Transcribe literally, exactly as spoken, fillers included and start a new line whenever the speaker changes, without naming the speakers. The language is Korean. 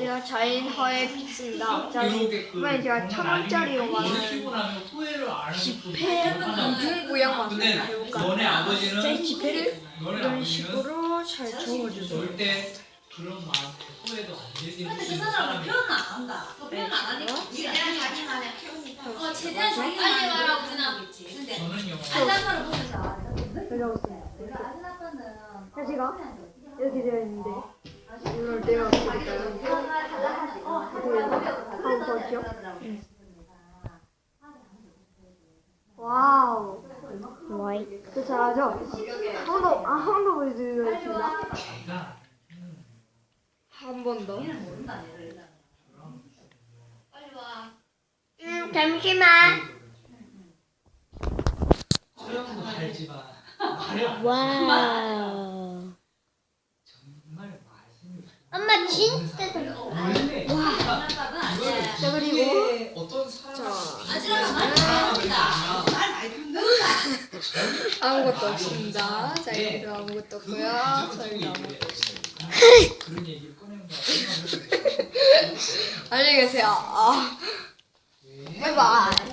안녕하세요. 자인허의 픽스입니다. 자, 이번에 제가 천 원짜리로 만든 지폐 공중 모양 만들어 해볼까? 자, 이 지폐를 이런 식으로 잘 적어주세요.
절대 그런 마음에 후회도 안 되게
근데 그 사람은 표현을 안 한다. 또 표현 안 하니까
최대한 자기만의 표현이다.
어 최대한 자기만의 말하고 그냥 근데
저는요.
아줌마를 보면서
적어봤어요.
내가 아줌 아빠는
사지가 이렇게 되어 있는데 이걸 내가 어떻게 와우. 와이. 저 잘하죠? 한 번 더, 아, 한 번 더 보여드리겠습니다.
제가
한 번 더.
얘는 모른다 얘를.
빨리 와.
음, 잠시만.
소영도 알지만 말을
와우.
정말 말씀이
엄마 진짜
원래
와.
자, 그리고
어떤 사람
아줌마가 말 잘합니다. 말 많이 듣는다.
아무것도 없습니다. 자, 여기도 아무것도 없고요. 저희도 아무것도 없습니다.
그런 얘기를 꺼낸 거
안녕히 계세요. 아,
왜?
바이바이.